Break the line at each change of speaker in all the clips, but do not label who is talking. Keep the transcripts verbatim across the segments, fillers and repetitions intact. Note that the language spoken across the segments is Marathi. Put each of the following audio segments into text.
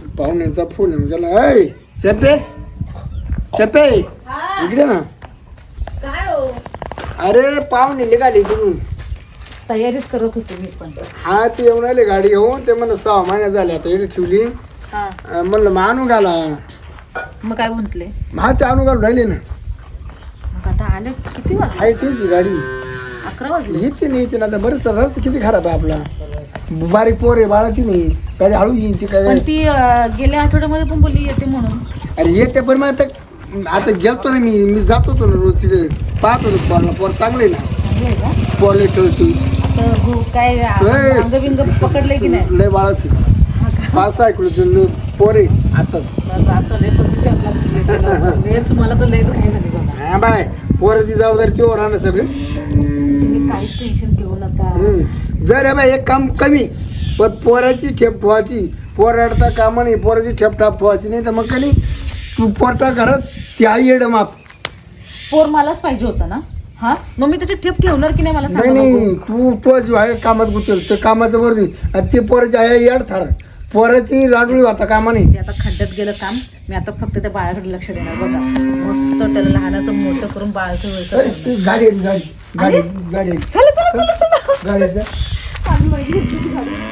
पाहुण्याचा फोन येऊन गेला. ऐ चेपे चेपे इकडे ना.
काय हो?
अरे पाहुणे निघाली तुम्ही.
तयारीच करत होते मी पण.
हा ते येऊन आले गाडी घेऊन. ते म्हणलं सहा महिन्यात झाले आता इकडे ठेवली. म्हणलं मग आणून घाला.
मग काय म्हंटले?
हा ते आणून घालून राहिले ना.
मग आता आले किती वाजले?
आहे तीच गाडी.
अकरा वाजले.
येते नाही येते ना आता. बरंच रस्ता किती खराब आहे आपला. बारीक पोर आहे बाळा ती नाही. गाडी हळू येईन ती काय.
पण ती अं, गेल्या आठवड्यामध्ये पण बोलली येते म्हणून.
अरे येते पण मग आता आता गेलतो ना मी मी जात होतो ना रोज तिथे पाहत होतो पोरला. पोर चांगले ना
चांगलं आहे का?
पोरले ठेवतो.
असं भू- काय अंग बिंग पकडले की नाही?
लय बाळाच पाच सहा किलो पोर आहे आता.
असं लय पद्धती आपला लयच मला तर लयच काय झाली बघा.
हा बाय पोराची जबाबदारी तेव्हा राहणं सगळं.
तुम्ही काहीच टेन्शन घेऊ नका.
हम्म. जर बाय एक काम कमी पण पोराची ठेप ठेवायची. पोर अडता कामा नाही. पोराची ठेप ठाप ठेवायची नाही तर मग कधी तू पोरटा घरात ती आई येड माप.
पोर मलाच पाहिजे होता ना. हा मग मी त्याची ठेप ठेवणार की नाही मला
नाही
सांगा बघू.
नाही तू तो जीव आहे कामात गुंतल तर कामाचं वरती आणि ते पोराची आहे येड थार. पोराची लाडुळी होता कामा नाही.
ते आता खड्ड्यात गेलं काम. मी आता फक्त त्या बाळाकडे लक्ष देणार बघा. मस्त त्याला लहानाचं मोठं करून बाळाचं वयचं
अरे, ती गाडी आली गाडी गाडी गाडी आली.
चला चला चला चला
गाडी आली.
चालू माझी घेतली गाडी.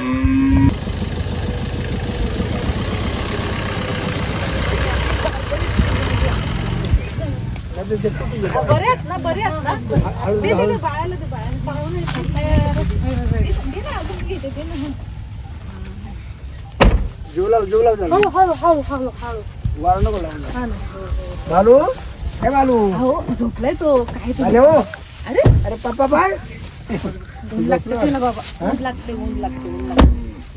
बरे आहेत ना बरे आहेत ना. दे दे दे बाळाला दे बाळाला पाहून
जीवला जीवला झालं.
हळू हळू हळू हळू हळू.
वारा नको लावून.
हा ना.
बालू हे बालू
हो झोपलाय तो. काय ते
आले हो.
अरे
अरे पप्पा बाय.
ऊन लागते ते ना बाबा. ऊन लागते ऊन लागते ऊन लागते.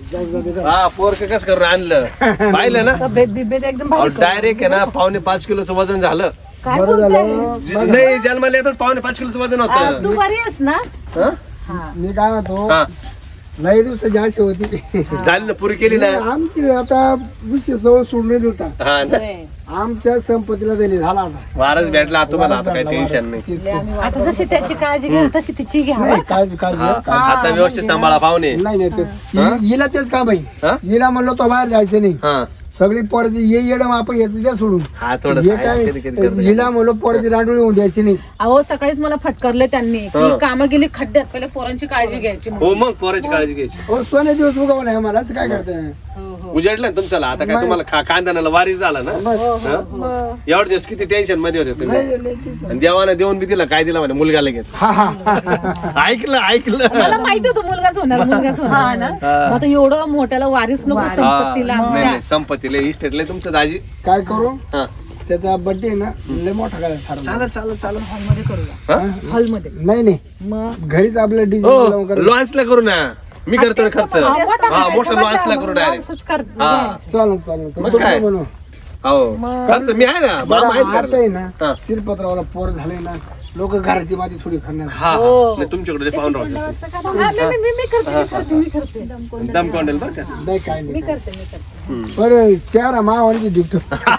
हा पोरक कस करून आणलं पाहिलं ना.
तब्येत बिब्येत एकदम भारी करून.
डायरेक्ट आहे ना पावणे पाच किलोचं वजन झालं.
काय
बरं
बोलताय?
झालं.
नाही जन्माला येतच पावणे पाच किलोचं वजन
आ,
होतं.
तू बरी आहेस ना?
हं?
हा.
मी काय म्हणतो
हा
लई दिवसाची आशी होती.
झाली ना पुरी केली ना.
आमची आता विषय सवय सोडून होता.
हा ना
होय.
आमच्या संपत्तीला त्यांनी झाला आता.
वारच भेटला तुम्हाला आता काही टेन्शन नाही.
लय आम्ही वाट- आता जशी त्याची काळजी घ्या तशी तिची घ्या
नाही
बरं.
काळजी काळजी
हा,
काळजी.
आता व्यवस्थित सांभाळा पाहुणे.
नाही नाही ते-
हा?
हि- हिला तेच काम
हा?
आहे. हिला म्हणलो तो बाहेर जायचं नाही.
हा
सगळी पोराची ये येडं आपण याचं द्या सोडून.
हा थोडं
हे काय हिला म्हणलो पोराची रांडोळी होऊन द्यायची नाही.
अहो सकाळीच मला फटकारले त्यांनी की
हा.
कामं गेली खड्ड्यात. पहिले पोरांची काळजी घ्यायची म्हणून.
हो मग पोराची काळजी घ्यायची.
हो सोने दिवस उगवला आहे मला असं काय करताय.
हो, हो.
उजाडलं ना तुमच्याला आता काय तुम्हाला खा- कांद्याला वारी झाला ना.
बस.
हा? एवढे दिवस किती टेन्शन मध्ये होते तुम्ही.
नाही, नाही, तेच.
आणि देवाने देऊन बी दिला काय दिला म्हणे मुलगा लगेच.
हा हा हा, हा.
ऐकलं ऐकलं.
मला माहिती होतं मुलगाच होणार मुलगाच होणार ना.
हा.
मग आता एवढं मोठ्याला वारीस नको
हा.
संपत्तीला
नाही
आमच्या.
नाही संपत्तीला इस्टेटले तुमचं दाजी.
काय करू
हा
त्याचा बर्थडे ना लय मोठा करायला ठरवलं.
चालेल चालेल चालेल.
हॉलमध्ये करूया.
हा?
हॉलमध्ये.
नाही नाही
मग
घरीच आपलं
हो
डिझाईन
लॉन्चला करू ना. मी करतो ना खर्च.
हा, मोठा
हा मोठं
करायचा,
लॉन्चला
मोठा
करू डायरेक्ट.
लॉन्चच कर.
हा
चालेल चालेल
मग काय?
बनव.
हो खर्च मी आहे ना मामा आहेत
आता आहे
करायला.
ना
हा.
शिरपत्रावाला पोर झाले ना लोक घराची माती थोडी खाणार.
हा
हो.
हा. नाही, तुमच्याकडे पाहून राहतो.
हा, मी- मी- मी- मी करते मी करते मी करते
दम कोंडेल बरं का.
नाही काय
मी
नाही
करते मी करते.
बरं चार मावाची डिक्टो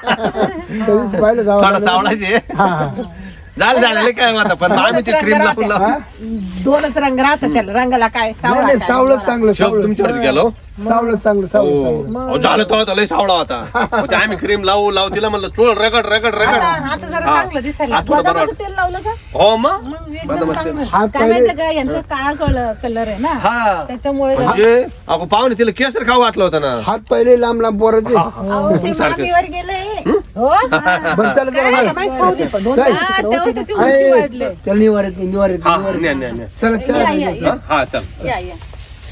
कधीच पाहिलं
थोडा
जावं
सावळाचे
हा हा
झालं झालं लय काय आता पण आम्ही ते क्रीम लावून
हा?
दोनच रंग राहतात त्याला रंगाला काय
नाही नाही सावळं चांगलं
शोक
सावळं
तुमच्यावरती गेलो.
सावळं चांगलं सावळं चांगलं.
अहो, झालं तो होता लय सावळा होता. मग ते आम्ही क्रीम लावू लावू तिला म्हणलं चोळ रगड रगड रगड.
आता जरा
हा.
चांगलं दिसायला
हा, थोडं बरं
बदामाचं
वाटतं.
तेल लावलं का
हो मग
मग एकदम
बदामाचं तेल.
चांगलं.
हात
काय
पहिले-
माहिती का यांचा काळा कलर आहे ना
हा
त्याच्यामुळे
म्हणजे अगो पाहुणे तिला केसर खाऊ घातलं होतं ना.
हात पहिले लांब लांब पोराचे
तुमच्यासारखं.
हो
बरं चालत
नाही, सावजी पण. दोन-
काय?
हा, तेव्हा त्याची उंची वाढली.
त्याला निवार येत नाही निवार येत
हा
नाही, निवार
न्या
येत
न्या
नाही.
न्या.
चला
या, या,
चला
या.
हा, हा चल
या या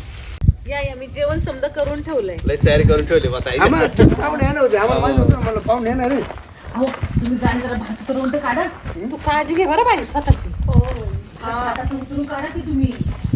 या या मी जेवण समजा करून ठेवलंय.
लय तयारी करून ठेवली आता.
आम्हाला पाहुणे येणार होते आम्हाला माहित होतं मला पाहुणे येणार आहे.
हो तुम्ही जाणे जरा भात करून तर काढा. तू काळजी घे बरं बाई स्वतःची. हा, भाताचं उतरून काढा की तुम्ही.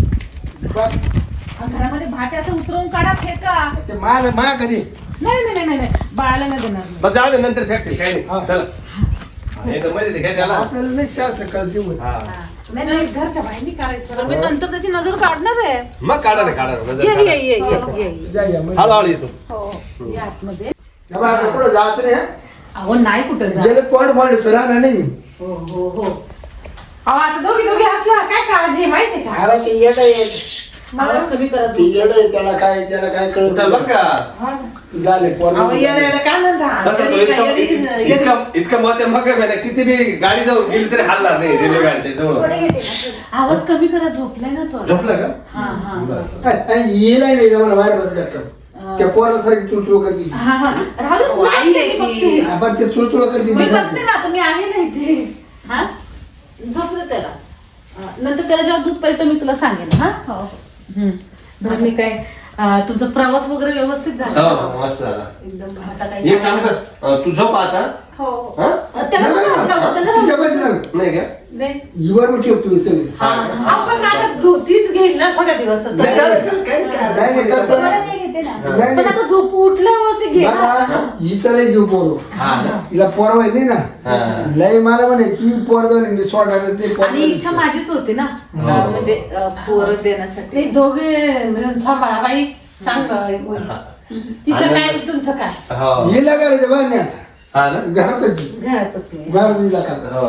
बरं.
आणि घरामध्ये भात असं उतरवून काढा फेका.
ते माल मा कधी
नाही नाही नाही नाही नाही बाळाला नाही देणार मी.
बरं जाऊ दे नंतर फेकते काय
हा.
नाही. चला हे तर मध्ये ते घ्या त्याला.
आपल्याला नाही शास्त्र कळते होत.
हा.
हा. नाही नाही घरच्या बाहेर नाही काढायचं. मी नंतर त्याची नजर काढणार आहे.
मग काढा ना काढा ना. नजर
ये
काढा.
ये ये ये ये.
या या म्हणजे.
हळूहळू येतो.
हो या आतमध्ये.
बाबा, आता पुढं जायचं नाही हं?
अहो नाही कुठं जा.
गेलं तोंड फांड सुराना नाही
हो हो हो. अहो आता दोघी दोघी असल्यावर काय काळजी आहे माहिती आहे का?
आला की येडं येत.
आवाज कमी करा
ती येड आहे, त्याला काय त्याला काय कळत
उठल बरं का
नाही. झाले पोर
अहो, येडं येडं काय म्हणता?
तसं तो
येडी
इतका
काय, येडी- येडी-
इतका इतका मत आहे मग काय किती बी गाडी जाऊन गेली तरी हलणार नाही रेल्वे गाडी त्याच्यावर.
आवाज कमी करा झोपलाय ना तो
झोपला का
हा हा
बरं.
येईल नाही जमाना बाहेर बस करतो त्या पोरासारखी चुळचुळ करते
हा हा राहू दे,
अहो, आई
मी
आहे
बघते,
ती.
आपण ते चुळचुळ करते
मी
ती
बघते
सारखी.
ना आता मी आहे ना इथे हा झोपलं त्याला अं, नंतर त्याला जेव्हा दूध पाहिजे मी तुला सांगेन हा हम्म. बरं मी काय अं, तुमचा प्रवास वगैरे व्यवस्थित झाला
हो मस्त झाला.
एकदम आता काही
एक काम कर अं, तू झोप आता
हो
हा?
अं, त्याला
नाही,
पण
नाही,
लावलं, त्याला
तिच्या
लावलं.
पाशी सांग
नाही का
नाही.
हिवर मी ठेवतो सगळी
हा, हा.
आपण आता दु- तीच घेईल ना थोड्या दिवस आता.
नाही, चालेल, चालेल, काही काय
नाही नाही कसं
मला
नाही
नाही घेते ना.
नाही
पण आता झोप उठल्यावरती घे ना.
बघा, हिचा लय जीव पोरो
हा ना?
हिला पोर व्हायली ना
हा.
लय मला म्हणायची पोर जाऊन मी सोडणार ते पोर
आणि इच्छा माझीच होती ना
हो.
अं, म्हणजे अं, पोरं देण्यासाठी
नाही, दोघे मिळून सांभाळा बाई सांग होईल. तिचं काय आणि तुमचं काय
हो.
हिला करायचं बाहेर नाही आता.
हा ना
घरातच
घरातच नाही
बाहेर दिला का
हो.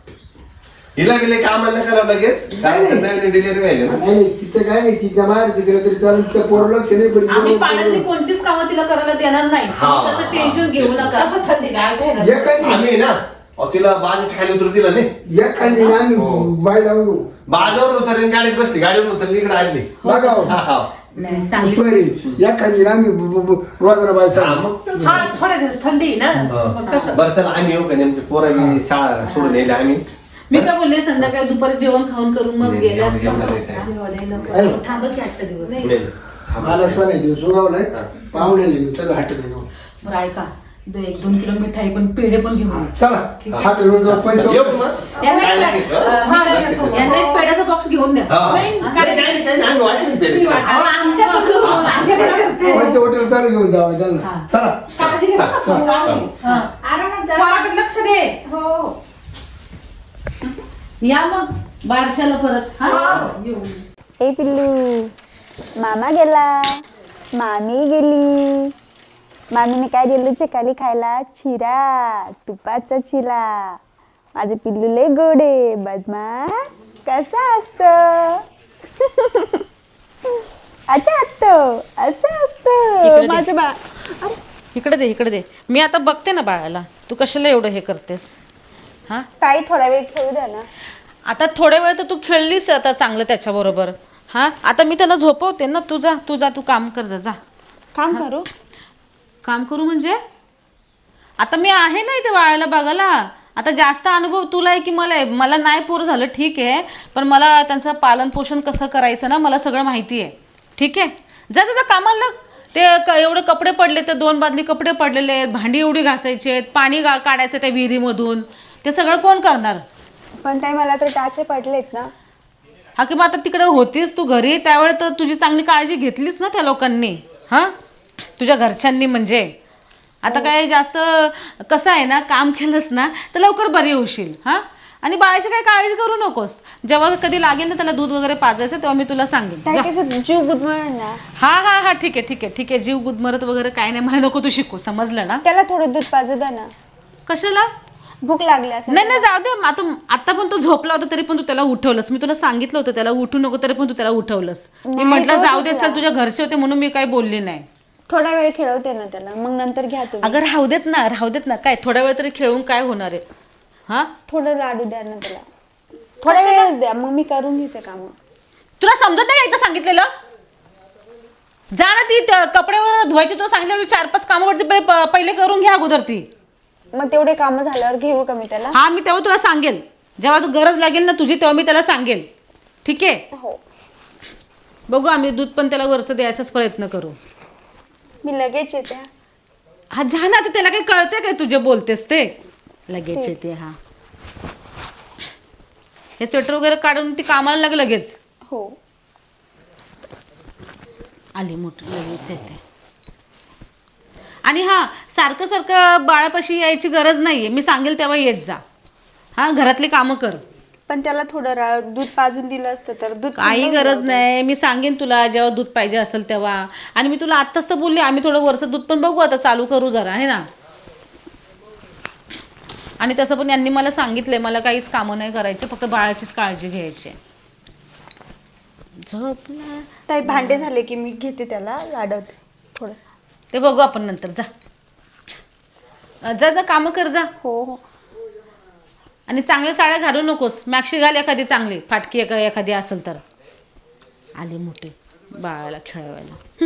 हिला गेले कामाला करावं लगेच
नाही, नाही.
नवीन डिलिव्हरी व्हायला ना
नाही नाही तिचं काय नाही तिच्या बाहेर तिकडे तरी चालू तिच्या पोर लक्ष नाही पण
आम्ही
हिला
पाण्यातली
पोरं-
कोणतीच कामं तिला करायला देणार नाही
हा.
तुम्ही त्याचं टेन्शन घेऊ नका
कसं थंडी गाठ आहे ना.
एखादी
आम्ही ना अहो, तिला बाजाच्या खाली उतरू दिला नाही
एखादी ना आम्ही
हो.
बाय लावून घेऊ
बाजावर उतरली गाडीत बसली गाडीवर उतरली इकडे आली
बघा हो.
हा, हा.
नाही चांगली
सोयरी एखादी ना आम्ही ब- ब- ब- रोजाना बाय
हा,
सांग
मग चल.
हा थोड्या दिवस थंडी आहे ना
हो.
मग कसं
बरं चला आम्ही येऊ का नेमके पोरांनी शाळा सोडून येईल आम्ही
मी काय बोलले संध्याकाळी दुपारी जेवण खाऊन करून मग
नाही,
गेले
एवढं- एवढं नाही time.
अरे.
थांबच आजचा दिवस
नाही.
मला सोन्या दिवस उगावलाय
हा.
पाहुण्याला मी चला हॉटेल घेऊ
बरं ऐका दो- एक दोन किलो मिठाई पण पेढे पण घेऊन ये.
चला हॉटेलवर जाऊ पैसे
येऊ का मग?
यांना
काय
एक-
लागेल?
अं,
हा,
मी काय
लक्षात
करतो,
ठेव.
यांना एक पेढ्याचा बॉक्स घेऊन द्या
हा, हा.
नाही,
काही नाही, काही नाही, आम्ही वाटेल पेढे.
अहो, आमच्याकडे घेऊन, आमच्याकडे करते.
कोणत्या हॉटेल चालू घेऊन जावं त्यांना
हा.
चला
काळजी घे बरं का,
चल,
चांगली.
चल.
हा.
आरामात जा. पोराकडे लक्ष दे हो
या मग बारशाला परत हा
येऊ.
ए पिल्लू मामा गेला मामी गेली मामीने काय दिलं चिकाली खायला चिरा तुपाचा चिरा माझे पिल्लू लय गोडे बदमाश कसा असत अच्छा असतं असं
इकडे
असतं
दे.
माझं बा
इकडे दे इकडे दे मी आता बघते ना बाळाला तू कशाला एवढं हे करतेस हा
ताई थोडा वेळ खेळू द्या ना
आता थोड्या वेळ तर तू खेळलीस आता चांगलं त्याच्याबरोबर हा आता मी त्याला झोपवते ना तू जा तू जा तू काम कर जा जा
काम करू
काम करू म्हणजे आता मी आहे ना इथे बाळाला बघायला आता जास्त अनुभव तुला आहे की मला आहे मला नाही पोर झालं ठीक आहे पण मला त्यांचं पालन पोषण कसं करायचं ना मला सगळं माहिती आहे ठीक आहे जा जा जा कामाला लाग. ते क एवढे कपडे पडले ते दोन बादली कपडे पडलेले आहेत भांडी एवढी घासायची आहेत पाणी गा काढायचं त्या विहिरीमधून ते सगळं कोण करणार
पण ताई मला तर टाचे पडलेत ना
हा की मग आता तिकडे होतीस तू घरी त्यावेळेस तर तुझी चांगली काळजी घेतलीस ना त्या लोकांनी हां तुझ्या घरच्यांनी म्हणजे आता काय जास्त कसं आहे ना काम केलंस ना तर लवकर बरी होशील हां आणि बाळाची काही काळजी करू नकोस जेव्हा कधी लागेल ना त्याला दूध वगैरे पाजायचं तेव्हा मी तुला सांगेन
ताई
जा.
कसं जीव गुदमळ ना
हा हा हा ठीक आहे ठीक आहे ठीक आहे जीव गुदमरत वगैरे काय नाही मला नको तू शिकू समजलं ना
त्याला थोडं दूध पाजू द्या ना
कशाला
भूक लागली असेल
नाही नाही जाऊ दे आता आता पण तो झोपला होता तरी पण तू त्याला उठवलंस मी तुला सांगितलं होतं त्याला उठू नको तरी पण तू त्याला उठवलंस मी
नाही,
म्हटलं
तो
जाऊ दे
झोपला.
चल तुझ्या घरचे होते म्हणून मी काही बोलली नाही
थोडा वेळ खेळवते ना त्याला मग नंतर घ्या तुम्ही
अगं राहू देत ना राहू देत ना काय थोड्या वेळ तरी खेळून काय होणार आहे हा
थोडं लाडू द्या ना त्याला थोडा वेळच द्या मग मी करून घेते काम
तुला समजत नाही का एकदा सांगितलेलं जा ना ती त्या कपडे वगैरे धुवायची तुला सांगितलं चार पाच कामं वरती पहिले पहिले करून घ्या अगोदर ती
मग तेवढे काम झाल्यावर घेऊ का मी त्याला
हा मी तेव्हा तुला सांगेल जेव्हा तू गरज लागेल ना तुझी तेव्हा मी त्याला सांगेल ठीक आहे
हो
बघू आम्ही दूध पण त्याला वरचं द्यायचाच प्रयत्न करू
मी लगेच येते हा.
हा जा ना आता त्याला काही कळते काय तुझे बोलतेस ते लगेच येते हा हे स्वेटर वगैरे काढून ती कामाला लाग लगेच
हो
आली मोठी लगेच येते आणि हा सारखं सारखं बाळापाशी यायची गरज नाहीये मी सांगेल तेव्हा येत जा हा घरातली कामं कर
पण त्याला थोडं रा- दूध पाजून दिलं असतं तर दूध
काही
थंड
गरज
होतं.
नाही मी सांगेन तुला जेव्हा दूध पाहिजे असेल तेव्हा आणि मी तुला आत्ताच तर बोलले आम्ही थोडं वरचं दूध पण बघू आता चालू करू जरा आहे ना आणि तसं पण यांनी मला सांगितलंय मला काहीच कामं नाही करायची फक्त बाळाचीच काळजी घ्यायची झोपला.
ताई भांडे झाले की मी घेते त्याला लाडवते थोडं.
ते बघू आपण नंतर. जा अं, जा जा कामं कर जा.
हो हो.
आणि चांगल्या साड्या घालू नकोस. मॅक्सी घाल एखादी चांगली फाटकी एका एखादी असेल तर. आली मोठी बाळाला खेळवायला.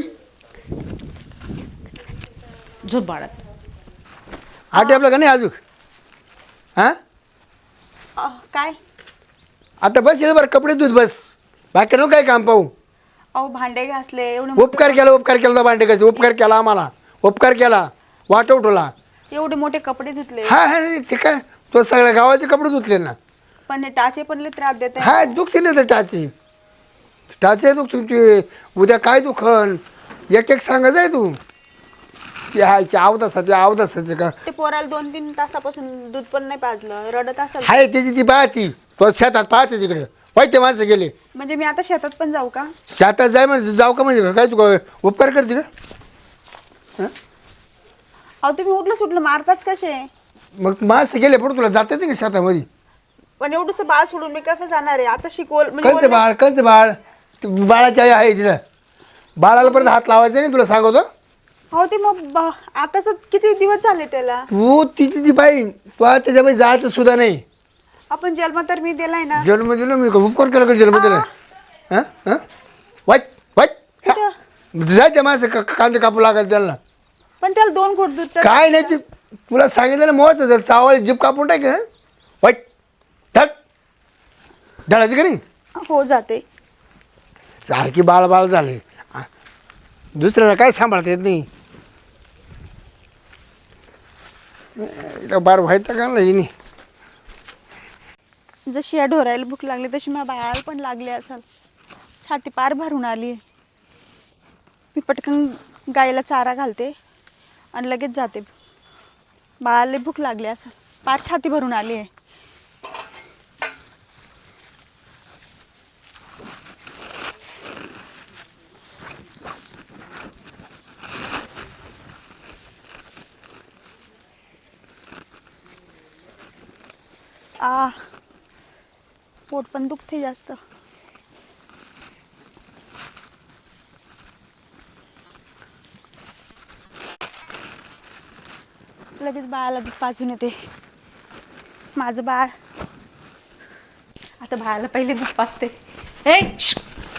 झोप बाळात.
आटे आपलं का नाही अजून? हां
अ, काय
आता बस येईल बरं, कपडे धुत बस, बाकी नको काय काम पाहू.
अहो भांडे घासले एवढे
उपकार केला उपकार केला तर भांडे कसे उपकार केला आम्हाला, उपकार केला वाट उठवला.
एवढे मोठे कपडे धुतले
हा हा नाही, ते काय तो सगळ्या गावाचे कपडे धुतले ना.
पण हे टाचे पण लय त्रास देत
हा दुखते ना तर टाचे टाचे दुख तुमची. उद्या काय दुखन एक एक सांगा जाय तू. ते हायचे अवदासाचे अवदासाचे का
ते पोराला दोन तीन तासापासून दूध पण नाही पाजलं, रडत असेल.
हाय त्याची ती पाहती तो शेतात पाहते तिकडे वाईट माणसं गेले.
म्हणजे मी आता शेतात पण जाऊ का?
शेतात जाय म्हणजे जाऊ का म्हणजे काय तू काय उपकार करते का?
अहो तुम्ही उठलं सुटलं मारताच कसे?
मग माणसं गेले पुढे तुला जातात का शेतामध्ये?
पण एवढंसं बाळ सोडून मी कसं जाणार आहे आता? शिकवल
कळते
म्हणजे
बाळ कळते बाळ ती बाळाची आई आहे तिला. बाळाला परत हात लावायचा नाही तुला सांगतो.
हो ते मग बा- आताच किती दिवस झाले त्याला.
तू तिची ती बाई तू आता त्याच्यामध्ये जायचं सुद्धा नाही.
आपण जन्म तर मी दिलाय ना.
जन्म दिला मी का उपकार केला का जन्म दिला? हां हां वाईट वाईट
कुठं?
जायचं माणसं का कांदे कापू लागायला त्यांना.
पण त्याला दोन घोट दूध तर
काय नाही ती तुला सांगितलं ना मोहच जर चावळ जीप कापून टाक हं? वाईट टाक ढळायची का नाही?
हो जाते.
सारखी बाळ बाळ झाले. आ, दुसऱ्याला काय सांभाळता येत नाही. इथं बार व्हायचं का नाही.
जशी या ढोरायला भूक लागली तशी माझ्या बाळाला पण लागली असेल. छाती पार भरून आली. मी पटकन गाईला चारा घालते आणि लगेच जाते. बाळाला भूक लागली असेल, पार छाती भरून आली आहे. आ पोट पण दुखते जास्त. लगेच बाळाला दूध पाजून येते. माझं बाळ आता बाळाला पहिले दूध पाजते.
हे श्श.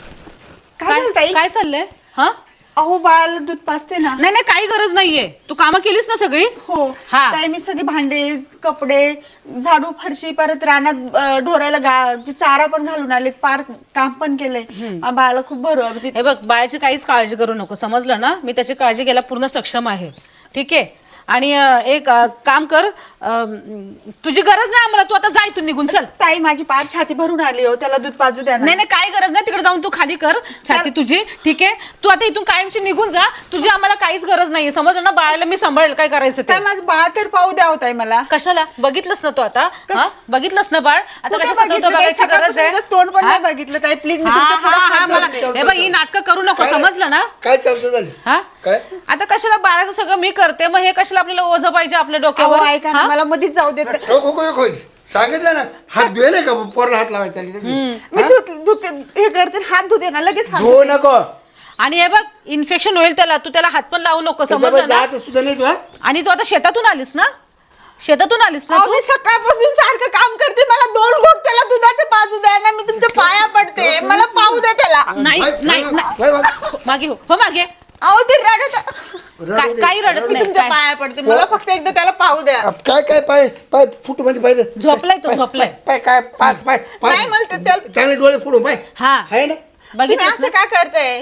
काय
काय
झालं ताई?
काय चाललंय? हा
अहो बाळाला दूध पाजते ना.
नाही नाही काही गरज नाहीये. तू कामं केलीस ना सगळी?
हो
हा.
ताई मी सगळे भांडे कपडे झाडू फरशी परत रानात अं, ढोरायला गा जे चारा पण घालून आले, पार काम पण केलंय. आ, बाळाला खूप भरू
हे बघ बाळाची काहीच काळजी करू नको समजलं ना. मी त्याची काळजी घ्यायला पूर्ण सक्षम आहे. ठीक आहे. आणि अं, एक अं, काम कर. अं, तुझी गरज नाही आम्हाला. तू आता जा इथून निघून चल.
ताई माझी पार छाती भरून आली हो, त्याला दूध पाजू द्या ना.
नाही नाही काही गरज नाही. तिकडे जाऊन तू खाली कर छाती तुझी. ठीक आहे. तू आता इथून कायमची निघून जा. तुझी आम्हाला काहीच गरज नाहीये समजलं ना. बाळाला मी सांभाळेल काय करायचं ते.
ताई माझं बाळ तर पाहू द्या होताय मला.
कशाला? बघितलंस ना तू आता? हा? बघितलंस ना बाळ आता
कुठं
कशा
बघितलं ताई?
बघायची गरज आहे?
सकाळपासून तोंड पण
हा?
नाही बघितलं ताई. प्लीज मी
हा,
तुमच्या पुढं
हा, हा,
हात
मला
जोडते.
हे बघ ही नाटकं करू नको समजलं ना.
काय चालतं झालं
हा
काय?
आता कशाला बाळाचं सगळं मी करते मग हे कशाला आपल्याला ओझं पाहिजे आपल्या
अहो,
डोक्यावर?
ऐका ना
हा?
मला मध्येच जाऊ देत.
हो, हो, हो, हो. सांगितलं ना हात धुले का पोरला हात लावायचा
मी धुत धुत हे करते हात धुते ना लगेच हात
धुवू
धुते.
नको.
आणि हे बघ इन्फेक्शन होईल त्याला. तू त्याला हात पण लावू नको समजलं ना.
जात सुद्धा नाही तू. हा?
आणि तू आता शेतातून आलीस ना. शेतातून आलीस ना
अहो,
तू.
मी सकाळपासून सारखं काम करते. मला दोन घोट त्याला दुधाचे पाजू द्या ना. मी तुमच्या पाया पडते. मला पाहू द्या त्याला.
नाही
बाय,
नाही
बाय,
नाही.
Bye, bye.
मागे हो हो मागे.
अहो ते रडत
काय काही रडत
मी
नाही
तुमच्या
काय.
पाया पडते. मला फक्त एकदा त्याला पाहू द्या.
अब काय काय पाय पाय फुट मध्ये पाय
झोपलाय तो, झोपलाय.
पाय काय पाच पाय पाय
नाही मला ते त्याला
चांगले डोळे फोडून पाय
हा
आहे ना.
तुम्ही
बघितलं
असं का करताय?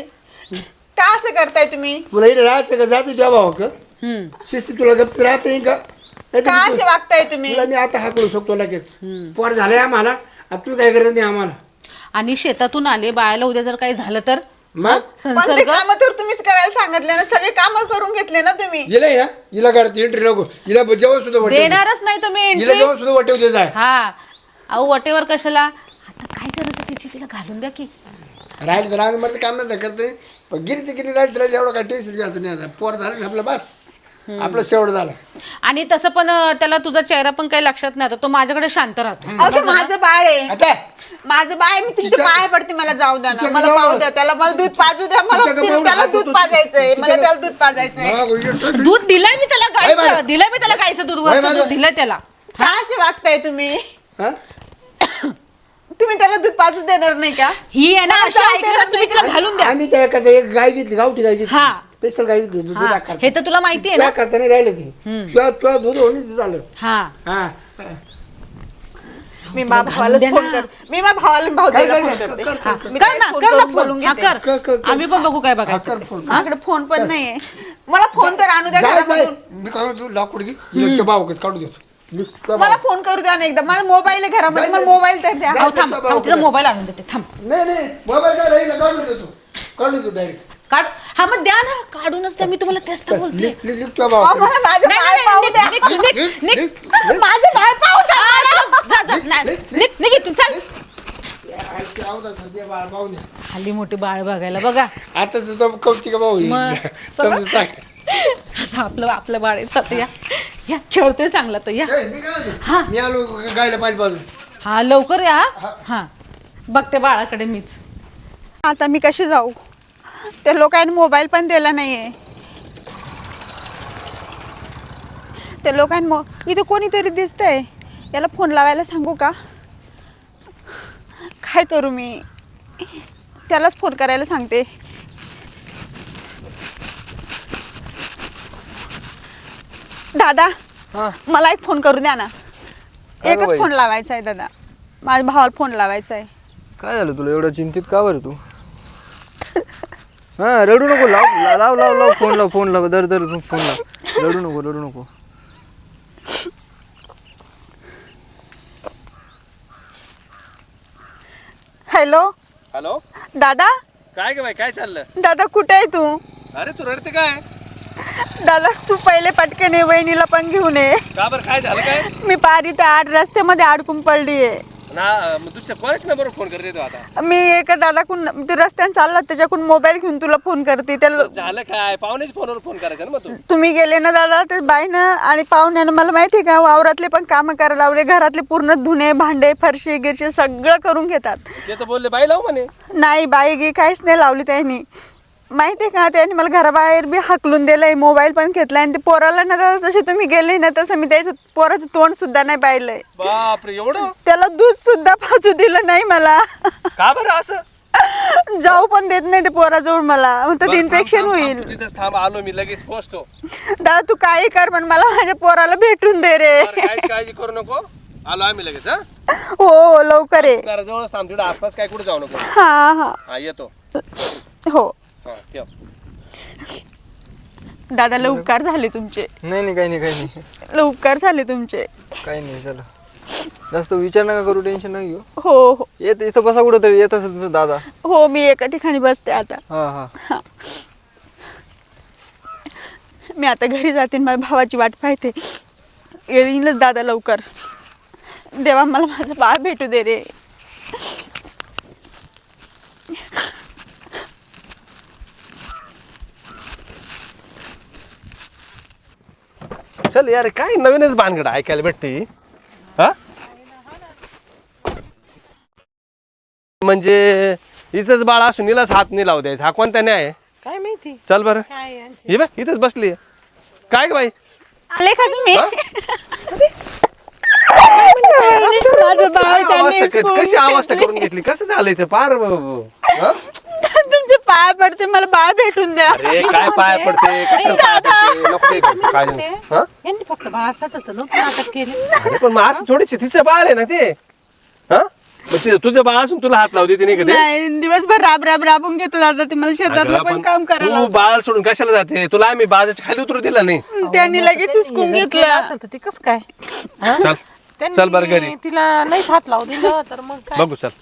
का असं करताय तुम्ही?
तुला इथे राहायचं का जातो त्या भाऊ का
हम्म
शिस्ती तुला गप्प राहत नाही का? नाहीतर
का
तू-
असे वागताय तुम्ही?
तुला मी आता हाकलू शकतो लगेच. पोर झालंय आम्हाला आता तू काय करत नाही आम्हाला.
आणि शेतातून आले बाळाला उद्या जर काही झालं तर
मग
हा?
पण ते
संसर्ग.
काम तर तुम्हीच करायला सांगितले ना. सगळे काम करून घेतले ना तुम्ही.
हिला ना हिला काढते एंट्री नको. हिला जेवण सुद्धा वाटेल.
देणारच नाही तुम्ही
हिला
एंट्री.
जेवण सुद्धा वाटेव देत आहे.
हा अहो वटेवर कशाला. आता काय करायचं तिची तिला घालून द्या की.
राहिली तर राहणं मध्ये काम नाही करते पण गिरी ते गिरी राहिली तर एवढं काय टेन्शन घ्यायचं नाही आता. पोर झालं ना आपलं बस आपलं शेवट झालं.
आणि तसं पण अं, त्याला तुझा चेहरा पण काही लक्षात नाही आता तो माझ्याकडे शांत राहतो.
अहो, ते माझं बाळ आहे,
आता
माझं बाळ आहे. मी तुमच्या
तिच्या-
पाया पडते, मला जाऊ द्या ना,
तिच्या
मला
जवळ-
पाहू द्या, त्याला मला दूध पाजू द्या, मला
तिच्या
तिला-
जवळ
त्याला
हात
दूध
होतो.
पाजायचंय, मला
तिच्या-
त्याला दूध पाजायचंय.
मग
दूध दिलंय मी त्याला
बाय बाय.
गायचं दिलंय मी त्याला गायचं दूध वरचं
बाय
दूध
बाय.
दिलंय त्याला.
का असे वागताय तुम्ही?
हा?
तुम्ही त्याला दूध पाजू देणार नाही का?
ही आहे ना
मला
अशी
जाऊ
ऐकलं
देणार
ना, तुम्ही
नाही
तिला घालून द्या.
आम्ही त्याकडे एक गाय घेतली, गावठी गाय घेतली,
हा.
स्पेशल गाय घेतली, दूध
हा,
करता
हे तर तुला माहिती आहे ना.
करता नाही राहिले ती तुला तुला दूध होणी झालं.
हा
हा
मी माझ्या भावाला
द्या
फोन
ना.
कर, मी माझ्या भावाला भाऊजीला
कर,
फोन
कर,
करते.
कर, कर, कर.
मी
कर
त्याला
ना
फोन
कर ना
करून
फोन
बोलून
हा
घेते.
कर
कर, कर, कर.
आम्ही पण बघू काय
हा,
बघायचं
कर
ते.
फोन.
माझ्याकडे फोन पण नाहीये, मला फोन तर आणू द्या
जाय जाय
घरामधून.
मी काय म्हणतो लाकूड घे तुझ्या भाऊकच काढू देतो. निघ, तुझ्या
मला
भाऊ-
फोन करू द्या ना एकदा, माझा मोबाईल आहे घरामध्ये,
जाय,
मला
जाय.
मोबाईल तर द्या.
जाय.
अहो, थांब थांब तिचा मोबाईल आणून देते थांब.
नाही नाही मोबाईल काय राहील काढू देतो काढू देतो डायरेक्ट.
काढ हा मग द्या ना काढूनच द्या मी तुम्हाला तेच तर बोलते.
लिख लिख लिख तुझ्या
अहो,
भाऊ
मला माझं
नाही,
बाळ
नाही,
पाहू
नाही,
द्या.
निघ, निघ, निघ, निघ.
माझं बाळ पाहू द्या.
हा, चल, जा, जा, नाही, निघ निघ इथून चल. हल्ली मोठी बाळ बघायला बघा.
आता तुझा कौतिक भाऊ येईल.
मग.
समजून सांग.
आता आपलं आपलं बाळ आहे चालतं या या खेळतोय चांगला तो या.
ए, मी काय म्हणतो?
हा.
मी आलो गायला पाणी पाजून.
हा लवकर या हा बघते बाळाकडे मीच.
आता मी कशी जाऊ? त्या लोकांनी मोबाईल पण दिला नाहीये. त्या लोकांनी मो इथं कोणीतरी दिसतंय, याला फोन लावायला सांगू का? काय करू मी? त्यालाच फोन करायला सांगते. दादा
हा
मला एक फोन करू द्या ना,
काय गं
एकच
बाई?
फोन लावायचा आहे दादा, माझ्या भावाला फोन लावायचा आहे.
काय झालं तुला एवढं चिंतित का बरं तू? हा रडू नको, लाव ला- लाव लाव लाव फोन लाव फोन लाव दर दर फोन लाव, रडू नको रडू नको.
हॅलो
हॅलो
दादा,
काय ग बाई काय चाललं?
दादा कुठे आहे तू?
अरे तू रडते काय?
दादा तू पहिले पटकन ये, वहिनीला पण घेऊन ये.
का बरं काय झालं काय?
मी पारी त्या आड रस्त्यामध्ये अडकून पडलीये.
ना मग दुसऱ्या कोणाच नंबरवर फोन करते तू आता?
मी एका दादाकडून ते रस्त्याने चालला, त्याच्याकडून मोबाईल घेऊन तुला फोन करते. त्या लो-
झालं काय? पाहुण्याच्या फोनवर फोन करायचा ना मग तू.
तुम्ही गेले ना दादा, ते बाईनं आणि पाहुण्यानं मला माहिती आहे का, वावरातले पण कामं करायला लावले, घरातले पूर्ण धुणे भांडे फरशी गिरशी सगळं करून घेतात.
ते तर बोलले बाई लाव म्हणे.
नाही बाई गी काहीच नाही लावली त्यांनी, माहिती आहे का? त्यांनी मला घराबाहेर बी हाकलून दिलंय, मोबाईल पण घेतलाय. आणि ते पोराला ना दादा जसे तुम्ही गेले ना तसं मी त्याचं पोराचं तोंड सुद्धा नाही पाहिलंय.
बापरे एवढं?
त्याला दूध सुद्धा पाजू दिलं नाही मला.
का बरं असं?
जाऊ पण देत नाही ते पोराजवळ मला, म्हणतात
बरं, थांब,
इन्फेक्शन
थांब, थांब,
होईल.
तू तिथेच थांब, आलो मी लगेच पोहोचतो.
दादा तू काही कर पण मला माझ्या पोराला भेटून दे रे.
बरं, काहीच काळजी करू नको, आलो आम्ही लगेच. हा
हो हो लवकर ये.
घराजवळच थांब, तिकडे आसपास काय कुठे जाऊ नको.
हा हा
हा येतो.
हो
हा ठेव.
दादा लय उपकार झाले तुमचे,
नाही नाही काही नाही काही नाही
लय उपकार झाले तुमचे.
काही नाही चला, जास्त विचार नका करू, टेन्शन नका घेऊ.
हो हो
येत इथं बसा कुठं तरी, येत असेल तुमचा दादा.
हो मी एका ठिकाणी बसते आता.
हा हा
मी आता घरी जाते, माझ्या भावाची वाट पाहते. येईलच दादा लवकर. देवा मला माझं बाळ भेटू दे रे.
चल यार, काय नवीनच भानगड ऐकायला भेटते. हा म्हणजे इथंच बाळ असून हिलाच हात नाही लावू द्यायचा, हा कोणता न्याय आहे?
काय माहिती
चल बरं,
काय आहे?
हे बघ इथंच बसली. काय ग बाई?
आले का तुम्ही? माझं बाळ त्यांनी
अवस्था क-
हिसकावून
कशी अवस्था
घेतली.
करून घेतली? कसं झालं इथे पार हा?
तुमचे पाय पडते, मला बाळ भेटून द्या.
अरे काय पाय पडते, कशाला पाय पडते? नको ते करू. काय नाही. हा?
यांनी फक्त बाळासाठीच तर नव्हतं नाटक केलं.
अरे पण मग असं थोडीशी तिचं बाळ आहे ना ते. हा मग ते तुझं बाळ असून तुला हात लावते ती नाही का ते?
नाही दिवसभर राब राब राबून घेतो दादा ते, मला शेतातलं
अगं,
पण
पण
काम करायला
तू बाळ सोडून कशाला जाते? तुला आम्ही बाजाच्या खाली उतरू दिला नाही.
लावतं. त्यांनी लगेच हिसकून
हे जर केलं
घेतलं.
असेल तर ती कसं काय? हा?
चल
त्यांनी
चल बरं घरी
तिला नाही हात लावू दिलं तर मग काय?
बघू. चल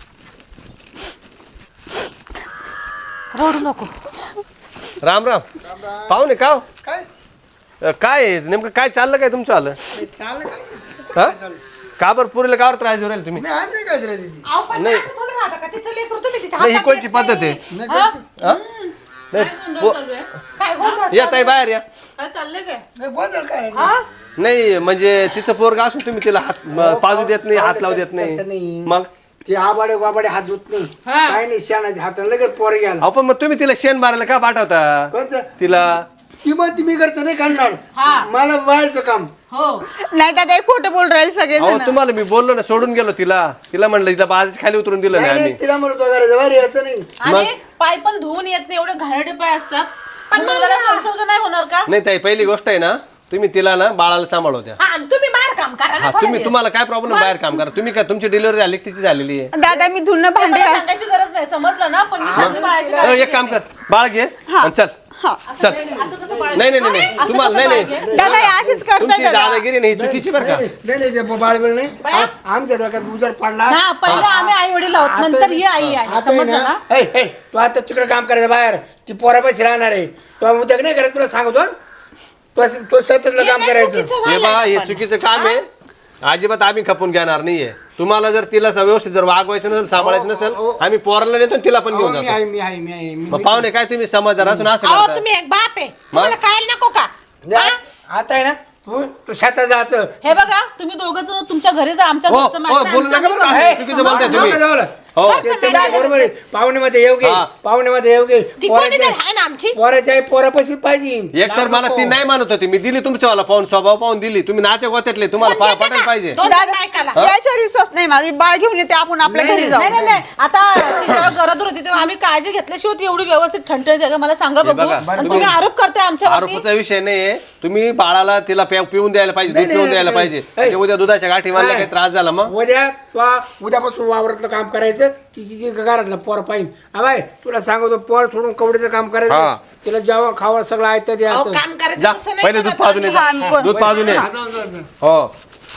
रडू नको.
राम राम पाहुणे. का हो?
काय
अ, काय आहे? नेमकं काय चाललं काय तुमचं आलं?
नाही, चाललं काय
हा का बरं पुरीला कावर त्रास देऊ राहिले तुम्ही?
नाही आम्ही नाही काय दिलं तिची
अहो, पण
नाही.
असं थोडं राहतं का? तिचं लेकरू तुम्ही तिच्या
नाही ही
हातात
कोणची
देत
पद्धत आहे?
नाही कसं-
हा? नाही, पो-
चालू आहे. काय काय गोंधळ
या ताई बाहेर या.
काय चाललंय काय
नाही, गोंधळ काय
हा?
नाही म्हणजे तिचं पोरग असून तुम्ही तिला हात म- पाजू देत नाही, हात लावू देत
तसं
नाही.
नाही.
मग
ते आबाडे वाबाडे हात धुत नाही
हा.
काय नाही शाणाचे हात लगेच पोर घ्यायला
अहो पण मग तुम्ही तिला शेण मारायला का पाठवता
कोणतं
तिला?
ती म्हणते मी करतो नाही करणार
हा.
मला बाहेरचं काम
हो
नाही दादा एक खोटं बोल राहिले सगळे
अहो तुम्हाला मी बोललो ना, सोडून गेलो तिला. तिला म्हणलं तिला बाजाच्या खाली उतरून दिलं
नाही
नाही
नाही,
आम्ही.
तिला म्हणतो घराच्या बाहेर यायचं नाही
आणि पाय पण धुवून येत नाही, एवढे घाणेरडे पाय असतात. पण मुलाला संसर्ग नाही होणार का?
नाही ताई, पहिली गोष्ट आहे ना, तुम्ही तिला ना बाळाला सांभाळवत्या.
हा, आणि तुम्ही बाहेर काम करा ना
हा
थोडे
तुम्ही
दिवस.
तुम्हाला काय प्रॉब्लेम बाहेर काम करा. तुम्ही काय तुमची डिलिव्हरी झाली की तिची झालेली आहे?
दादा मी धुणं भांडे
मला सांगायची गरज नाही, समजलं ना? पण मी चांगली बाळाची
अ,
काळजी
एक काम कर, बाळ घे आणि चल
हा
चल.
घेते. असं कसं बाळ
नाही नाही नाही नाही.
असं
तुम्हाला
कसं
नाही
बाळ
नाही
घे?
दादा हे अशीच करताय
तुमची
दादा
दादागिरी नाही, ही चुकीची बरं का.
नाही नाही, नाही ते बाळबीळ नाही आ- आमच्या डोक्यात उजड पडला
हा पहिले आम्ही आई वडील आहोत,
आता-
नंतर ही आई आहे,
आता आहे
समजलं
ना,
ना?
ए, ए, तू आता तिकडे काम करायचं बाहेर ती पोरापाशी राहणार आहे तो उद्या नाही करत तुला सांगतो तो तो शेतातलं काम करायचं
हे बा हे चुकीचं काम आहे. अजिबात आम्ही खपून घेणार नाहीये. तुम्हाला जर तिला स- व्यवस्थित जर वागवायचं नसेल, सांभाळायचं नसेल, आम्ही पोराला नेतो आणि तिला पण घेऊन
अहो, मी
जातो.
आहे मी आहे मी आहे मी-
मग पाहुणे काय तुम्ही समजदार असून असं
अहो
करता?
तुम्ही एक बाप आहे तुम्हाला कळायला नको का?
जा, आता आहे ना तू तू शेतात जायचं
हे बघा, तुम्ही दोघं जण तुमच्या घरी जा, आमच्या
हो
घरचं
हो
माहिती नाही,
बोलू नका बरं का,
आमचं
असं चुकीचं बोलताय तुम्ही. हो
ते- ते बरोबर आहे. पाहुण्यामध्ये येऊ घे
हा.
पाहुण्यामध्ये येऊ घे
ती कोणी तर आहे ना आमची.
पोराच्या पोरापाशी पाहिजे
एक तर मला ती नाही मानत होती, मी दिली तुमच्यावाला पाहून, स्वभाव पाहून दिली. तुम्ही नाते गोत्यातले, तुम्हाला पा- पटायला पाहिजे.
दोन
दादा
बायकाला.
याच्यावर विश्वास नाही माझा मी बाळ घेऊन येते आपण आपल्या घरी जाऊ
नाही नाही नाही, आता ती जेव्हा गरज होती तेव्हा आम्ही काळजी घेतल्याशिवाय ती एवढी व्यवस्थित ठणठणीत आहे का? मला सांगा
हे
बघू.
बघा,
आणि तुम्ही आरोप करताय आमच्यावरती.
आरोपाचा विषय नाहीये. तुम्ही बाळाला तिला प्या- पिऊन द्यायला पाहिजे, दूध
नाही,
पिऊन द्यायला
नाही,
पाहिजे.
नाही.
म्हणजे उद्या दुधाच्या गाठी मारल्या
नाही.
काही त्रास झाला मग
उद्या तू उद्यापासून वावरातलं काम करायचं तिची ती घरातलं पोर पाहिजे बाय तुला सांगतो पोर सोडून कवडीचं काम
हा.
करायचं तिला जेव्हा खावा सगळं ऐकतं
अहो
द्यायचं
काम करायचं
जा
तसं नाही
पहिले दूध
करत
पाजून ये
आम्ही.
जा.
हा,
दूध पाजून ये.
हा, जाऊ, जाऊ, जाऊ.
हो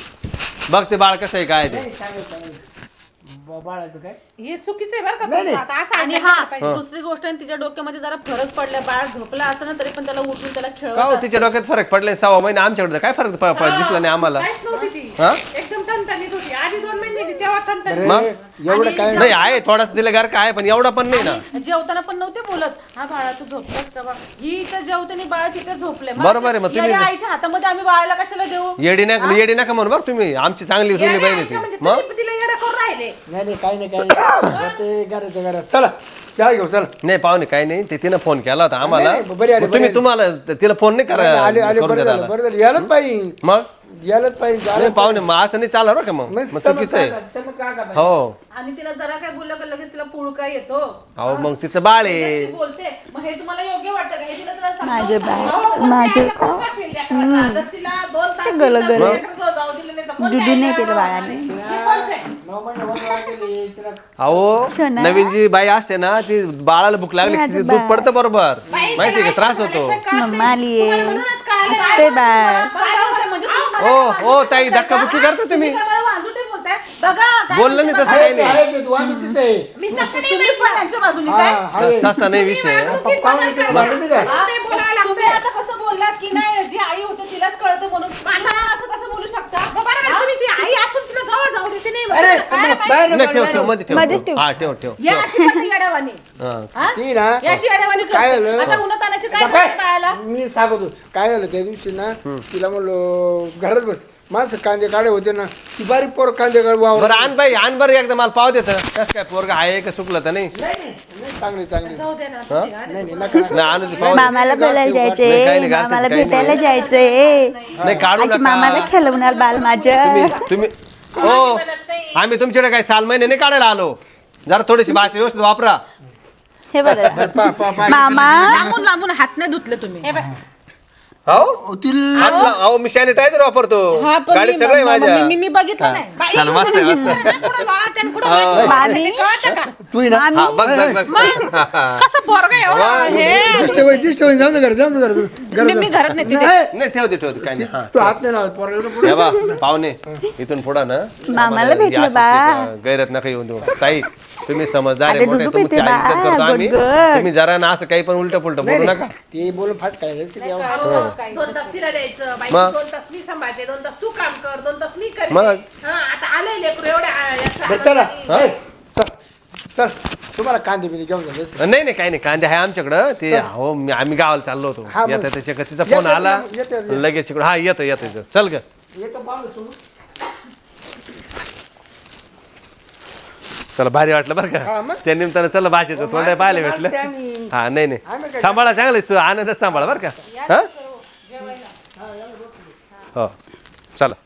बघ ते बाळ कसं आहे काय ते.
ब- बाळाचं काय
हे चुकीचं आहे बरं का
नाही,
तुमचं.
नाही.
आता असं
आणि
ऐकायला
हा
पाहिजे.
दुसरी गोष्ट आहे, तिच्या डोक्यामध्ये जरा फरक पडला, बाळ झोपला असं ना तरी पण त्याला उठून त्याला
का
खेळवत
हो, तिच्या डोक्यात फरक पडले सहा महिने आमच्याकडे काय फरक प- प- दिसला नाही आम्हाला.
काहीच नव्हती ती
हा?
एकदम तणतणीत होती. आधी दोन महिने गेली तेव्हा तणतणीत.
मग?
एवढं काय
नाही आहे थोडासा दिलं गार काय, पण एवढा पण नाही ना.
जेवताना पण नव्हते बोलत, हा बाळा तू झोपलास का बा? ही इथं जेवताना बाळ तिथे झोपले. मग
बरोबर आहे, मग तुम्ही-
येड्या आईच्या हातामध्ये आम्ही बाळाला कशाला देऊ?
येडी नका येडी नका म्हणून बघ तुम्ही. आमची चांगली जुनी
येड्या
बहीण
आईच्या
होती
म्हणजे
मग.
तुम्ही तिला येडं करून राहिले.
नाही नाही काही नाही काही नाही ते घराचं घरात चला चहा घेऊ चला
नाही पाहुणे काही नाही, ते तिनं फोन केला होता आम्हाला.
नाही, नाही, बरी आली,
मग तुम्ही
बरी
तुम्हाला तिला फोन नाही करा
आले आले
करून
बरं
देता
झालं
आला.
बरं झालं यायलाच पाहिजे
मग
यायलाच पाहिजे
नाही पाहुणे मग असं नाही चालणार बरं का मग मग चुकीचं आहे. हो
आणि तिला जरा काय बोललं का लगेच तिला पुळका येतो.
अहो मग तिचं बाळ
ती
आहे.
बोलते, मग हे तुम्हाला योग्य वाटतं का? हे तिला जरा समजावून
माझे
सांगा.
बाळ
अहो, कोण
माझे
द्यायला कोण का ठेवली लेकराला? जर तिला दोन तास तीन
गलं
तास
गलं.
लेकरं जाऊ दिलं नाही तर कोण
दुधू
द्यायला?
नाही केलं बाळाने
हे कोणचं आहे?
अहो
शोना.
नवीन जी बाई असते ना ती बाळाला भूक लागली की तिचं दूध पडतं बरोबर, माहितीये का त्रास होतो.
मम्मा आलीये
म्हणूनच कळालं.
असते बाळ
काय बोलताय म्हणजे तुम्ही
ओ
मला
ओ ताई धक्काबुक्की करता तुम्ही.
काय मला वाजवते बोलताय? बघा काय
बोललं नाही तसं काही नाही.
मी तसं नाही
तुम्ही पण त्यांच्या बाजूनी काय?
तसा नाही विषय.
तुम्ही बोलायला
तुम्ही
लागताय.
आता कसं बोललात की नाही जी आई होते तिलाच कळतं म्हणून तुम्ही असं कसं बोलू शकता?
बरोबर आहे, तुम्ही ती आई असून तिला जवळ जाऊ देते नाही
अरे
म्हणत. काय पाहिजे?
नाही ठेव ठेव मध्ये ठेव
मध्येच ठेव.
हा ठेव ठेव
या अशी करते येड्यावानी.
हा.
हा?
ती ना
या अशी येड्यावानी
काय
करते.
झालं?
आता उन्हातानाची काय
आता
करते
काय?
बाळाला?
मी सांगतो काय झालं त्या दिवशी ना तिला म्हणलो घरात बस माणसं कांदे काढे होते ना ती बारीक पोर कांदे काढ वावर
बरं आण बाई आण बरं एकदा मला पाव देत कसं काय पोरगा आहे का चुकलं तर नाही.
चांगली चांगली
जाऊ दे ना.
नाही नाही नका नका.
नाही आणूची पाव दे.
मामाला बोलायला
नाही, काही
जायचंय
नाही, घालतेच,
मामाला
काही
भेटायला
नाही.
जायचंय
नाही काढू
आजी मामाला
नका
खेळवणार बाल माझं
तुम्ही तुम्ही हो आम्ही तुमच्याकडे काही साल महिने नाही काढायला आलो. जरा थोडीशी भाषा व्यवस्थित वापरा.
हे बरं
पा- पा- पा-
मामा
लांबून लांबून हात नाही धुतले तुम्ही.
हो
तिला
हात ला- अहो मी सॅनिटायझर वापरतो
हा, पण
गाडीत
मी-
सगळं आहे
म-
माझ्या.
मी- मी बघितलं नाही.
छान मस्त आहे मस्त आहे.
कुठं लोळात आणि कुठं
हा.
वाटतं.
मामी
कळतं का?
तू ही ना
मामी
हा बघ बघ बघ
कसं पोरगं एवढं हे
दिष्ट होईल दिष्ट होईल जाऊ दे घरात जाऊ दे घरात
मी मी घरात नेते ते.
नाही
नाही ठेवते ठेवते काही नाही हा
तू हात नाही लावत पोराला पुढे
हे बा पाहुणे इथून पुढं ना
मामाला
आम्हाला
भेटलं
ही अशी
बा.
शिक- गैरत नका येऊन देऊ ताई. तुम्ही समजदार आहे
अरे
मोठे
दुधू
तुमची
पिते
आई इज्जत
बा,
करतो आम्ही.
Good, good.
तुम्ही जरा ना असं काही पण उलट पुलट बोलू नका.
ते बोलून फाट काय रेसिपी
दोन तास तिला द्यायचं बाई
मग?
दोन तास मी सांभाळते दोन तास तू काम कर दोन तास मी करते
मग?
हा आता आलंय लेकरू एवढ्या याचं
चला
आनंदाने.
चल चल तुम्हाला कांदे बिंदे घेऊन जायचं
नाही नाही काही नाही कांदे आहे आमच्याकडं ते हो मी- आम्ही गावाला चाललो होतो
हा, मग.
येतं त्याच्या तिचा
येतं,
फोन आला
येतं, येतं, येतं.
लगेच इकडं हा येतं येतं येतं चल ग
येतो पाहुणे सोडून.
चला भारी वाटलं बरं
हा,
का
मग.
त्या निमित्तानं चला भाषेचं
हो,
तोंड
माणसं-
पाहायला
माणसं
भेटलं
आम्ही.
हा नाही
आम्ही
नाही
काय-
सांभाळा चांगलं आनंदात सांभाळा बरं का हा हो चला